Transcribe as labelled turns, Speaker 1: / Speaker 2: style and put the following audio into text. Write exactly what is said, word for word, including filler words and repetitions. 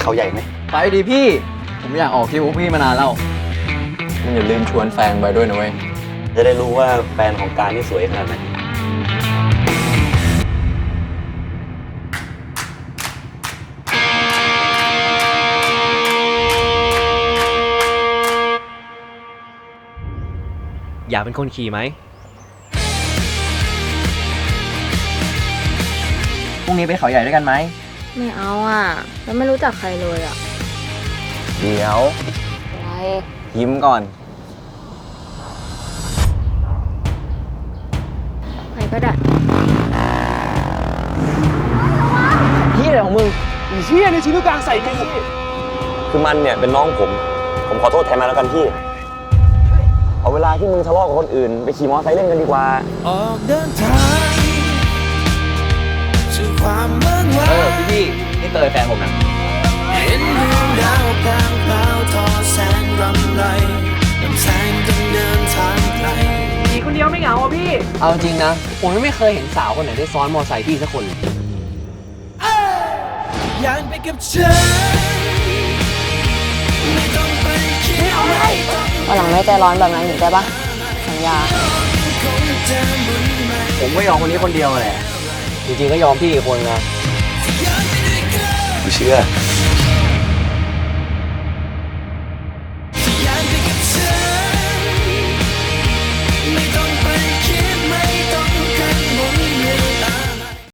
Speaker 1: เขาใหญ่ไหม
Speaker 2: ไปดิพี่ผมอยากออกคิวพี่มานานแล้วมึงอย่าลืมชวนแฟนไปด้วยนะเว้ย
Speaker 1: จะได้รู้ว่าแฟนของการนี่สวยขนาดไหน
Speaker 3: อยากเป็นคนขี่ไหม
Speaker 2: พรุ่งนี้ไปเขาใหญ่ด้วยกันไหม
Speaker 4: ไม่เอาอ่ะแล้วไม่รู้จักใครเลยอ่ะ
Speaker 2: เดี๋ยว
Speaker 4: อะไร
Speaker 2: ยิ้มก่อน
Speaker 4: ใครก็ได้
Speaker 2: พี่อะไรของมึงอีเชี่ยในชิ้นกลางใส่กู
Speaker 1: คือมันเนี่ยเป็นน้องผม ผมขอโทษแทนมันแล้วกันพี่เอาเวลาที่มึงทะเลาะกับคนอื่นไปขี่มอเตอร์ไซค์เล่นกันดีกว่า
Speaker 5: ออกเดินทางสู่ความเมืองว้า
Speaker 2: เออพี่พี่นี่เตยแฟนผมนะ
Speaker 5: เห็นดวงดาวพลางพลาวทอแสงรำไรลำแสงกันเดินทางไกล
Speaker 3: มีคนเดียวไม่เหงาอ่ะพี่เอาจริงนะผมไม่เคยเห็นสาวคนไหนได้ซ้อนมอไซค์พี่สักคนเลย
Speaker 5: อยากไปกับฉันไม่ต้องไปคิดอะไร
Speaker 4: วันหลังไม่ใจร้อนแบบนั้นอีกได้ปะสัญญา
Speaker 2: ผมไม่ยอมคนนี้คนเดียวแหละ
Speaker 3: จริงๆก็ยอมพี่อีกคนนะ
Speaker 1: ไม่เชื่อ